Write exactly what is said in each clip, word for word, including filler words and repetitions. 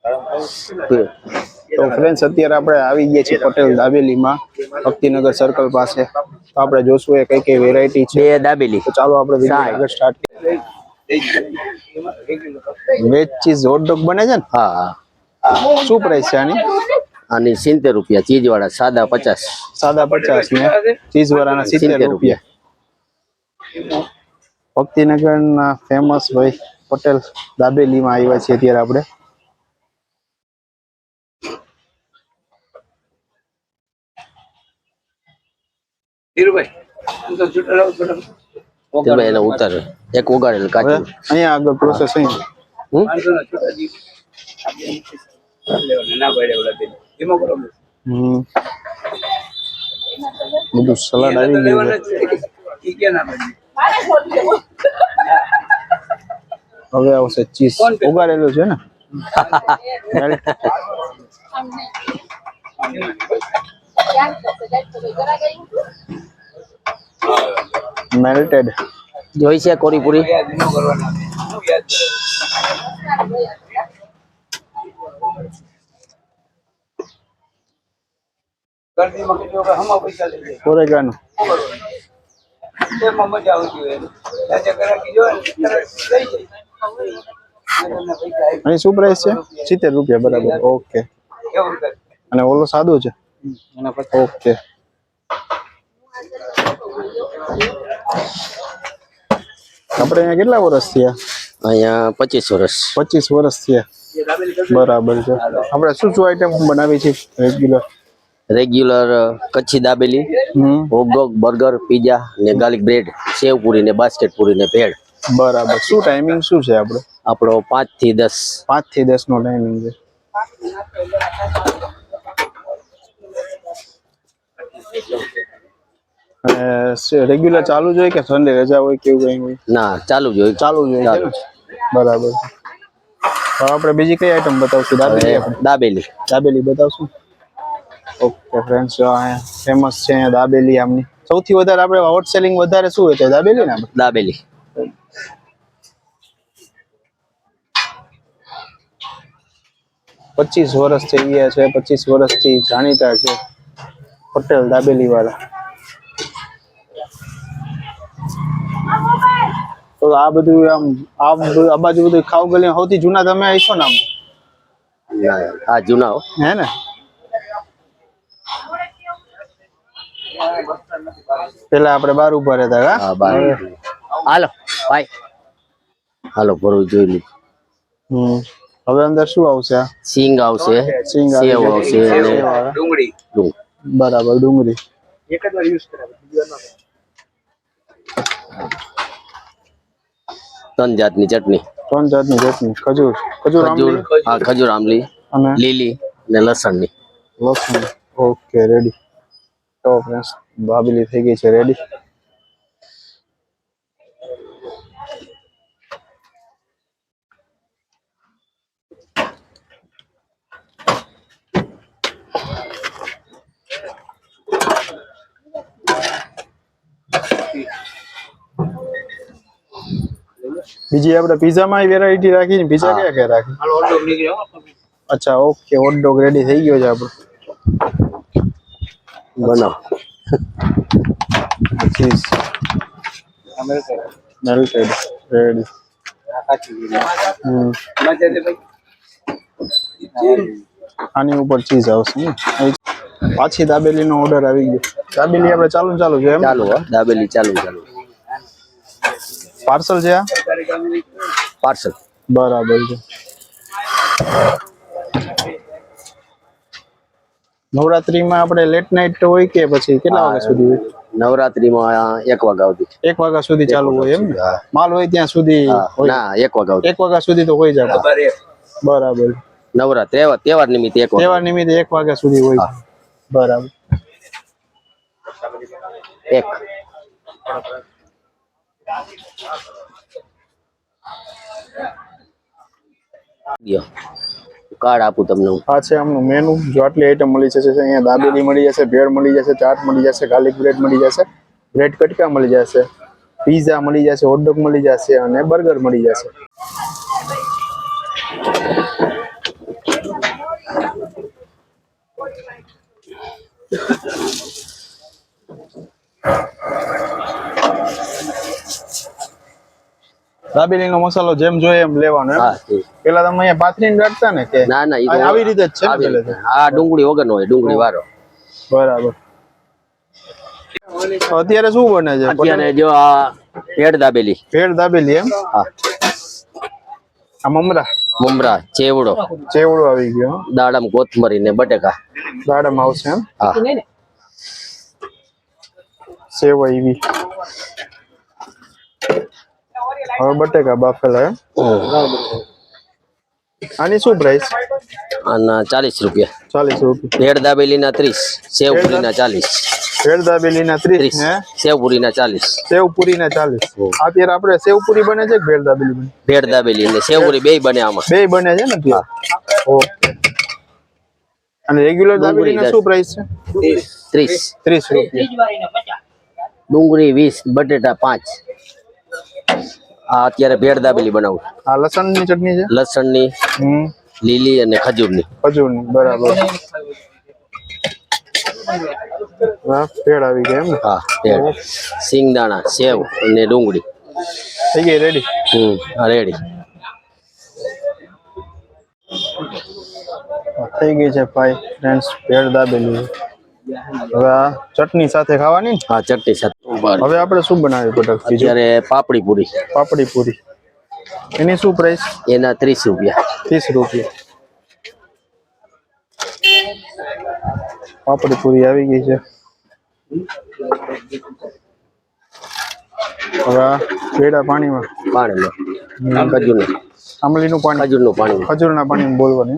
તો ફ્રેન્ડ્સ અત્યારે આપણે આવી ગયા છીએ પટેલ દાબેલીમાં ભક્તિનગર સર્કલ પાસે. તો આપણે જોશું એ કઈ કઈ વેરાયટી છે દાબેલી. તો ચાલો આપણે વિડિયો આગળ સ્ટાર્ટ કરીએ. વેજ ચીઝ હોટ ડોગ બને છે ને? હા હા. શું પ્રાઇસ છે આની? આની સિત્તેર રૂપિયા, ચીઝ વાળા સાદા પચાસ. સાદા પચાસ ને ચીઝ વાળાના સિત્તેર રૂપિયા. ભક્તિનગરના ફેમસ ભાઈ પટેલ દાબેલીમાં આવ્યા છીએ અત્યારે આપણે. એને ઉતાર એક ઉગાડેલ કાચું અહીંયા આગળ પ્રોસેસ અહીંયા હમ બધું સલાડ આવી ગયું છે. હવે આવશે ચીઝ ઉગાડેલું છે ને મેલ્ટેડ જોઈ છે કોરી પૂરી. ઓરેગાનો અહીં શું પ્રાઇસ છે? સિત્તેર રૂપિયા બરાબર. ઓકે. અને ઓલો સાદું છે? ઓકે. આપણે અહીંયા કેટલા વર્ષ થયા? અહીંયા પચીસ વર્ષ. પચીસ વર્ષ થયા બરાબર છે. આપણે શું શું આઈટમ બનાવી છે regular? Regular Kutchi dabeli, hot dog, burger, pizza ને ગાર્લિક બ્રેડ, સેવ પૂરી ને બાસ્કેટ પૂરી ને ભેળ. બરાબર. શું ટાઈમિંગ શું છે આપણો? આપણો પાંચ થી દસ. પાંચ થી દસ નો ટાઈમિંગ છે. રેગ્યુલર ચાલુ જ હોય કે સન્ડે રજા હોય કેવું કઈ હોય? ના, ચાલુ જ હોય. ચાલુ જ હોય. બરાબર. તો આપણે બીજી કઈ આઈટમ બતાવશું? દાબેલી. દાબેલી દાબેલી બતાવશું. ઓકે ફ્રેન્ડ્સ, ફેમસ છે અહીંયા દાબેલી. આમની સૌથી વધારે આપણે હોટ સેલિંગ વધારે શું હોય છે? દાબેલી ને? દાબેલી. પચીસ વર્ષ થઈ ગયા છે. પચીસ વર્ષથી જાણીતા છે પટેલ દાબેલી વાળા. તો આ બધું આમ આ બાજુ બધું ખાવ ગલી સૌથી જૂના તમે આવીશો ને? આમ હા જૂના હે ને? પેલા આપણે બાર ઉભા રહેતા. હાલો ભાઈ, હાલો ભરું જોઈ લીધું. હમ હવે અંદર શું આવશે? સિંગ આવશે, સિંગ સેવ આવશે, ડુંગળી. બરાબર, ડુંગળી. એક જ વાર યુઝ કરાવે. ત્રણ જાતની ચટણી. ત્રણ જાતની ચટણી. ખજૂર ખજૂર ખજૂર હા ખજૂર આમલી અને લીલી ને લસણની. લસણ. Okay ready. તો ફ્રેન્ડ્સ દાબેલી થઈ ગઈ છે રેડી. બીજી આપણે પીઝા માં વેરાયટી રાખી ને પીઝા કયા કયા રાખી? અચ્છા ઓકે. હોટ ડોગ રેડી થઈ ગયો છે આપણો. બનાવ ચીઝ મેલ્ટેડ રેડી. હમ આની ઉપર ચીઝ આવશે ને? પાછી દાબેલી નો ઓર્ડર આવી ગયો. દાબેલી આપણે ચાલુ ચાલુ છે એમ? ચાલુ. હા દાબેલી ચાલુ ચાલુ. પાર્સલ છે આ? પાર્સલ. બરાબર છે. નવરાત્રીમાં આપણે લેટ નાઇટ હોય કે પછી કેટલા વાગ્યા સુધી હોય? નવરાત્રીમાં એક વાગ્યા સુધી. એક વાગ્યા સુધી ચાલુ હોય એમ? માલ હોય ત્યાં સુધી? ના, એક વાગ્યા. એક વાગ્યા સુધી તો હોય જાય. બરાબર. નવરાત્રી તહેવાર નિમિત્તે એક તહેવાર નિમિત્તે એક વાગ્યા સુધી હોય. બરાબર. એક કાર્ડ આપું તમને. આ છે આમનું મેનુ. જો આટલી આઈટમ મળી જશે અહીંયા. દાબેલી મળી જશે, ભેળ મળી જશે, ચાટ મળી જશે, ગાર્લિક બ્રેડ મળી જશે, બ્રેડ કટકા મળી જશે, પીઝા મળી જશે, હોટ ડોગ મળી જશે અને બર્ગર મળી જશે. દાબેલી નો મસાલો જેમ જોઈએ એમ લેવાનો એમ? હા તે. પેલા તમે અહીંયા પાથરીને રાખતા ને કે ના ના ઈ તો આવી રીતે જ છે ને આવી રીતે. પહેલેથી? આ ડુંગળી વગર નો હોય ડુંગળી વાળો. બરાબર. તો અત્યારે શું બને છે? અત્યારે જો આ ભેળ દાબેલી. ભેળ દાબેલી એમ? હા આ મમરા મમરા ચેવડો ચેવડો આવી ગયો હો. દાડમ કોથમરી ને બટેકા. દાડમ આવશે એમ? હા સેવ આવી. હવે બટેકા બાફેલા એમ? આની શું પ્રાઇસ? આના ચાલીસ રૂપિયા. ચાલીસ રૂપિયા. ભેળ દાબેલી ના ત્રીસ, સેવ પૂરી ના ચાલીસ. ભેળ દાબેલી ના ત્રીસ ત્રીસ ને સેવ પૂરી ના ચાલીસ. સેવ પૂરી ના ચાલીસ. અત્યારે આપણે સેવ પૂરી બને છે કે ભેળ દાબેલી બને? ભેળ દાબેલી ને સેવ પૂરી બેય બને આમાં. બે બને છે ને અત્યારે? ઓકે. અને રેગ્યુલર દાબેલી ના શું પ્રાઇસ છે? ત્રીસ. ત્રીસ રૂપિયા. ડુંગળી વીસ, બટેટા પાંચ. આ અત્યારે ભેળ દાબેલી બનાવું. આ લસણ ની ચટણી છે? લસણ ની, હમ લીલી અને ખજૂર ની. ખજૂર ની. બરાબર. હા ભેળ આવી ગઈ એમ ને? હા ભેળ. સિંગદાણા, સેવ અને ડુંગળી. થઈ ગઈ રેડી? હમ રેડી. થઈ ગઈ છે ભાઈ ફ્રેન્ડ્સ ભેળ દાબેલી. હવે આ ચટણી સાથે ખાવાની ને? હા ચટણી સાથે. હવે આપણે શું બનાવ્યું પટેલ? અત્યારે પાપડી પૂરી. પાપડી પૂરી. એની શું પ્રાઇસ? એના ત્રીસ રૂપિયા. ત્રીસ રૂપિયા. પાપડી પૂરી આવી ગઈ છે. હવે આ ભેળા પાણીમાં પાણીમાં ખજૂર નું આંબલીનું પાણી, ખજૂર નું પાણી. ખજૂરના પાણીમાં બોલવાની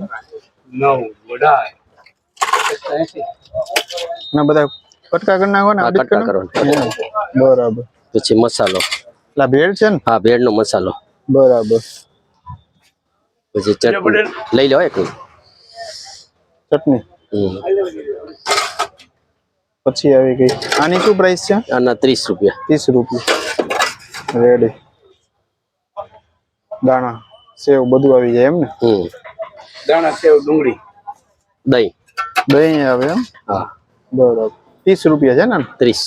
ના બધા કટકા કરી નાખો ને? હા, કટકા કરવાના. બરાબર. પછી મસાલો. એટલે ભેળ છે ને? હા ભેળ નો મસાલો. બરાબર. પછી ચટણી લઈ લો એક. ચટણી હમ. પછી આવી ગઈ. આની શું પ્રાઇસ છે? આના ત્રીસ રૂપિયા. ત્રીસ રૂપિયા. રેડી. દાણા સેવ બધું આવી જાય એમ ને? હમ. દાણા સેવ ડુંગળી દહીં. દહીં આવે એમ? હા બરાબર. ત્રીસ રૂપિયા છે ને? ત્રીસ.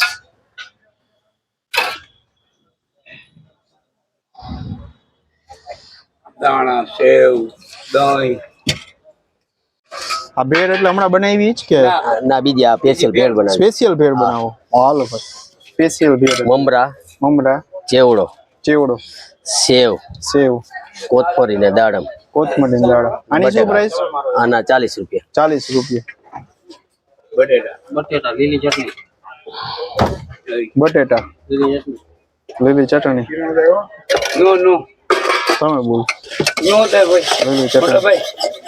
દાણા સેવ દહીં. આ ભેળ એટલે હમણાં બનાવી જ કે ના બીજી આ સ્પેશિયલ ભેળ બનાવી. સ્પેશિયલ ભેળ બનાવો? હાલો ભાઈ સ્પેશિયલ ભેળ. મમરા, મમરા, ચેવડો, ચેવડો, સેવ, સેવ, કોથમરી ને દાડમ. કોથમરી દાળ. આની શું પ્રાઇસ? આના ચાલીસ રૂપિયા. ચાલીસ રૂપિયા. બટેટા બટેટા લીલી ચટણી. બટેટા લીલી ચટણી. નો નો તમે બોલ. નો થાય ભાઈ. લીલી મોટા ચટણી. ભાઈ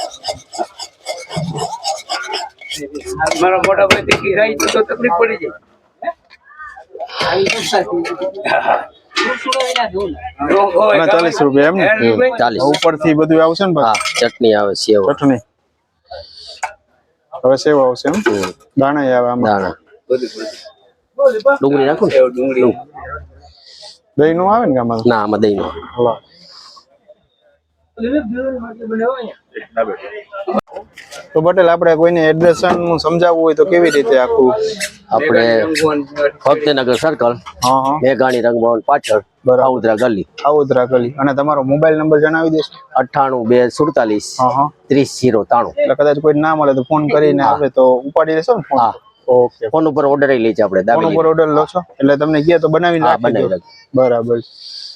મારા મોટા ભાઈ તીખી ખાઈ તો તકલીફ પડી જાય. નો હોય. આના ચાલીસ રૂપિયા એમ ને? હમ, ચાલીસ. ઉપરથી બધું આવશે ને હા ભાઈ? ચટણી આવે, સેવ, ચટણી. હવે સેવ આવશે એમ? હમ, દાણા આવે આમાં? દાણા. બધું બધું. ડુંગળી નાખું ને? સેવ ડુંગળી દહીં નું આવે ને કે આમાં? ના આમાં દહીં નો. હલો. તો પટેલ આપણે કોઈને એડ્રેસ નું સમજાવવું હોય તો કેવી રીતે આખું? આપણે ભક્તિનગર સર્કલ, હા હા મેઘાણી રંગભવન પાછળ, બરાબર. આવદરા ગલી. આવોદરા ગલી. અને તમારો મોબાઈલ નંબર જણાવી દેશો? અઠ્ઠાણું બે સુડતાલીસ હા હા. ત્રીસ જીરો ત્રાણું. એટલે કદાચ કોઈ ના મળે તો ફોન કરીને આવે તો ઉપાડી લેશો ને ફોન? હા ઓકે. ફોન ઉપર ઓર્ડર લઈ છે આપણે ફોન દાબેલી. ઉપર ઓર્ડર લો છો એટલે તમને કહે તો બનાવીને હા રાખી બનાવી દો. રાખી. બરાબર.